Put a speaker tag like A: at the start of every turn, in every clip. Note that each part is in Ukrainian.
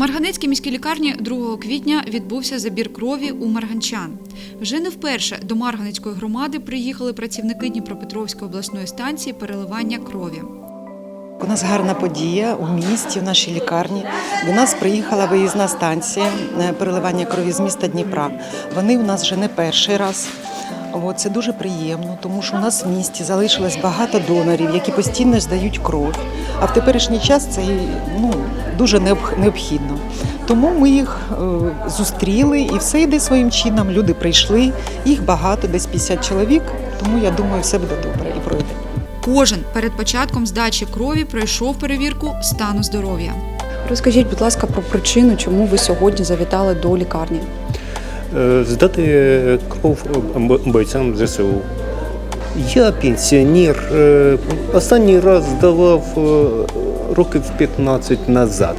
A: Марганецькій міській лікарні 2 квітня відбувся забір крові у марганчан. Вже не вперше до Марганецької громади приїхали працівники Дніпропетровської обласної станції переливання крові.
B: У нас гарна подія у місті, в нашій лікарні. До нас приїхала виїзна станція переливання крові з міста Дніпра. Вони у нас вже не перший раз. Це дуже приємно, тому що у нас в місті залишилось багато донорів, які постійно здають кров. А в теперішній час це дуже необхідно. Тому ми їх зустріли і все йде своїм чином. Люди прийшли, їх багато, десь 50 чоловік, тому я думаю, все буде добре і пройде.
A: Кожен перед початком здачі крові пройшов перевірку стану здоров'я.
C: Розкажіть, будь ласка, про причину, чому ви сьогодні завітали до лікарні.
D: Здати кров бойцям ЗСУ. Я пенсіонер. Останній раз здавав років 15 назад.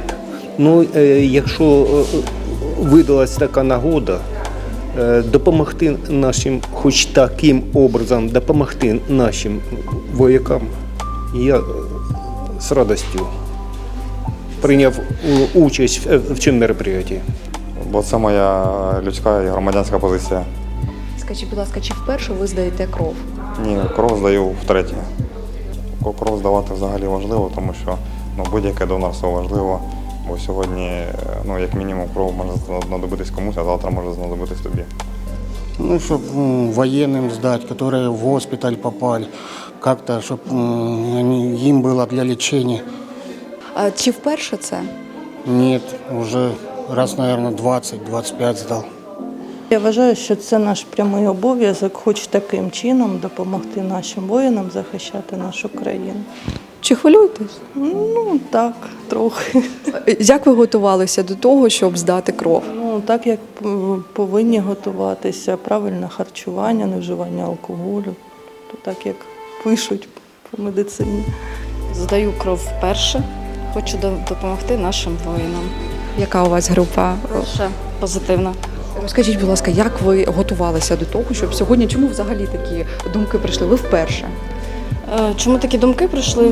D: Якщо видалась така нагода, допомогти нашим, хоч таким образом, допомогти нашим воякам, я з радістю прийняв участь в цьому мероприятии.
E: Бо це моя людська і громадянська позиція.
C: Скажіть, будь ласка, чи вперше ви здаєте кров?
E: Ні, кров здаю втретє. Кров здавати взагалі важливо, тому що будь-яке донорство важливо. Бо сьогодні, як мінімум, кров може знадобитись комусь, а завтра може знадобитись тобі.
F: Щоб военным сдать, которые в госпиталь попали, как-то, чтобы им было для лечения.
C: А чи вперше це?
F: Нет, уже раз, наверное, 20-25 сдал.
G: Я вважаю, що це наш прямий обов'язок, хоч таким чином допомогти нашим воїнам захищати нашу країну.
C: Чи хвилюєтесь?
G: Так, трохи.
C: Як ви готувалися до того, щоб здати кров?
G: Так, як повинні готуватися, правильне харчування, не вживання алкоголю, так, як пишуть по медицині.
H: Здаю кров вперше, хочу допомогти нашим воїнам.
C: Яка у вас група?
H: Ще позитивна.
C: Розкажіть, будь ласка, як ви готувалися до того, щоб сьогодні, чому взагалі такі думки прийшли? Ви вперше?
H: Чому такі думки прийшли?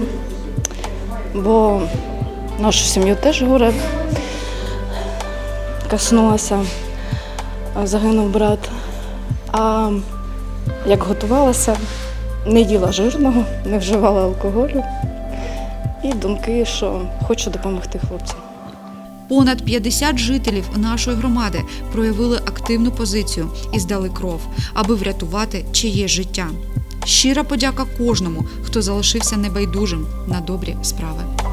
H: Бо нашу сім'ю теж горе коснулося, загинув брат. А як готувалася, не їла жирного, не вживала алкоголю. І думки, що хочу допомогти хлопцям.
A: Понад 50 жителів нашої громади проявили активну позицію і здали кров, аби врятувати чиєсь життя. Щира подяка кожному, хто залишився небайдужим на добрі справи.